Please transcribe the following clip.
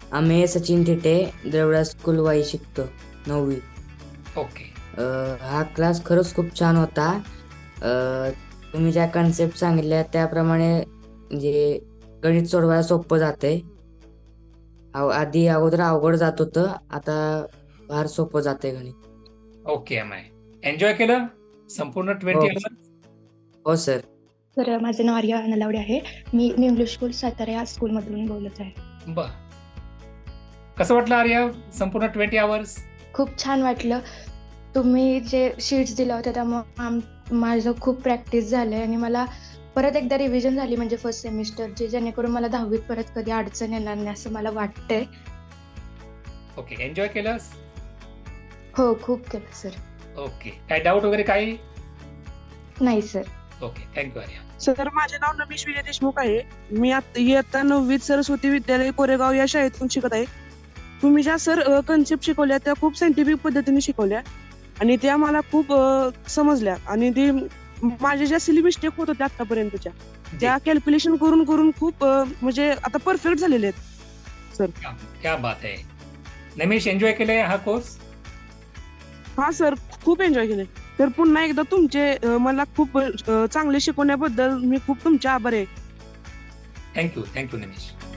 आम्ही सचिन थिटे देवळा स्कूल वाई शिकतो 9वी. ओके. हा क्लास खरंच खूप छान होता. तुम्ही ज्या कन्सेप्ट सांगितल्या त्याप्रमाणे म्हणजे गणित सोडवायला सोपं जाते. आधी अगोदर अवघड जात होतं, आता फार सोपं जाते गणित. Okay M I. एन्जॉय केलं संपूर्ण हो 20 आवर्स? हो सर. तर माझं नाव आर्या नलावडे आहे. मी न्यू इंग्लिश स्कूल सातारा या स्कूलमधून बोलत आहे. बर. कसं वाटलं आर्या संपूर्ण 20 आवर्स? खूप छान वाटलं. तुम्ही जे शीट्स दिल्या होत्या त्यामुळे माझं खूप प्रॅक्टिस झालं आणि मला परत एकदा रिव्हिजन झाली म्हणजे फर्स्ट सेमिस्टरची, जेणेकरून मला 10वीत परत कधी अडचण येणार नाही असं मला वाटतंय. ओके. एन्जॉय केलंस? हो, खूप केलं सर. ओके. काय डाऊट वगैरे काही? नाही sir. Okay. Thank you Arya. Sir माझे नाव नमेश विजय देशमुख आहे. मी इयत्ता 9वीत सरस्वती विद्यालय कोरेगाव या शाळेतून शिकत आहे. तुम्ही ज्या सर कन्सेप्ट शिकवल्या त्या खूप सायंटिफिक पद्धतीने शिकवल्या आणि त्या मला खूप समजल्या आणि ते माझ्या ज्या सिली मिस्टेक होत होत्या आतापर्यंतच्या त्या कॅल्क्युलेशन करून करून खूप म्हणजे आता परफेक्ट झालेले आहेत सर. क्या बात आहे. नमेश, एन्जॉय केलंय हा कोर्स? हा सर, खूप एन्जॉय केले. तर पुन्हा एकदा तुमचे मला खूप चांगले शिकवण्याबद्दल मी खूप तुमचे आभार आहे. थँक्यू नमेश.